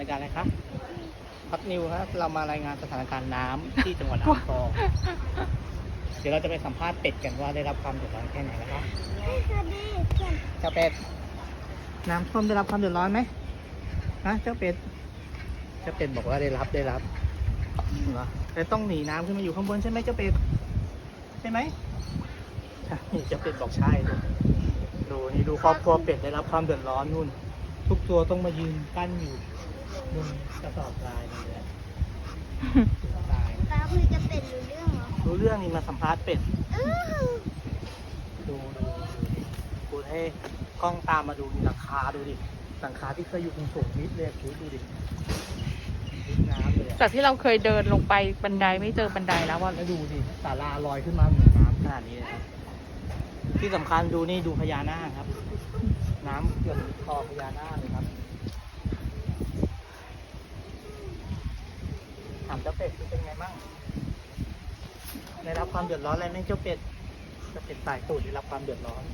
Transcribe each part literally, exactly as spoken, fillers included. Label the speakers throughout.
Speaker 1: ายการอะไรคะพัดนิวครับเรามารายงานสถานการณ์น้ำที่จังหวัดอ่างทองเดี๋ยวเราจะไปสัมภาษณ์เป็ดกันว่าได้รับความเดือดร้อนแค่ไหนนะคะเจ้าเป็ดน้ำท่วมได้รับความเดือดร้อนไหมฮะเจ้าเป็ดเจ้าเป็ดบอกว่าได้รับได้รับเหรอแต่ต้องหนีน้ำขึ้นมาอยู่ข้างบนใช่ไหมเจ้าเป็ดใช่ไหมนี่เจ้าเป็ดบอกใช่เลยดูนี่ดูครอบครัวเป็ดได้รับความเดือดร้อนนู่นทุกตัวต้องมายืนกั้นอยู่บนกระสอบทรายนี่แหละตาย
Speaker 2: ตาคุยกับเป็ดรู้เรื่องเหรอ
Speaker 1: รู้เรื่องนี่มาสัมภาษณ์เป็ด
Speaker 2: อื้อ
Speaker 1: ดูดูดูให้กล้องตามมาดูนี่หลังคาดูดิหลังคาที่เคยอยู่ตรงสูงนิดเลยคุณดูดินิดน้ำเลยอะ
Speaker 3: จากที่เราเคยเดินลงไปบันไดไม่เจอบันไดแล้วว่า
Speaker 1: แล้วดูดิศาลาลอยขึ้นมาเหนือน้ำขนาดนี้เลยครับที่สำคัญดูนี่ดูพญานาคครับ น้ำเกือบคอพญานาคเลยครับถามเจ้าเป็ดเป็นไงบ้างได้รับความเดือดร้อนอะไรไหมเจ้าเป็ดเจ้าเป็ดสายตูดได้รับความเดือดร้อน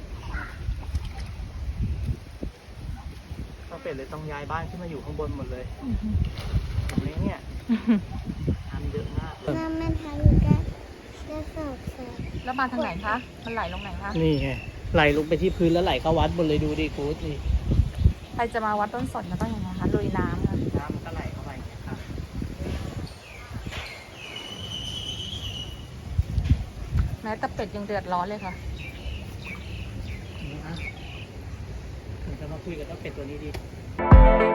Speaker 1: เจ้าเป็ดเลยต้องย้ายบ้านขึ้นมาอยู่ข้างบนหมดเลยเห็นไหมเนี่ยน้ำเยอะมาก
Speaker 2: น้ำมันทะลุกระกระสอบทราย
Speaker 3: แล้วมาทางไหนคะ มันไหลลงไหนคะ
Speaker 1: นี่ไงไหลลงไปที่พื้นแล้วไหลเข้าวัดหมดเลยดูดิกูดนี่
Speaker 3: ใครจะมาวัดต้นสนมันต้องยังไงคะลุยน้ำค่ะ
Speaker 1: น้ำมันก็ไหลเข้าไปอย่างเงี้ยครับ
Speaker 3: แม้แต่เป็ดยังเดือดร้อนเลยค่ะ
Speaker 1: นี่นะถึงจะมาคุยกับเจ้าเป็ดตัวนี้ดี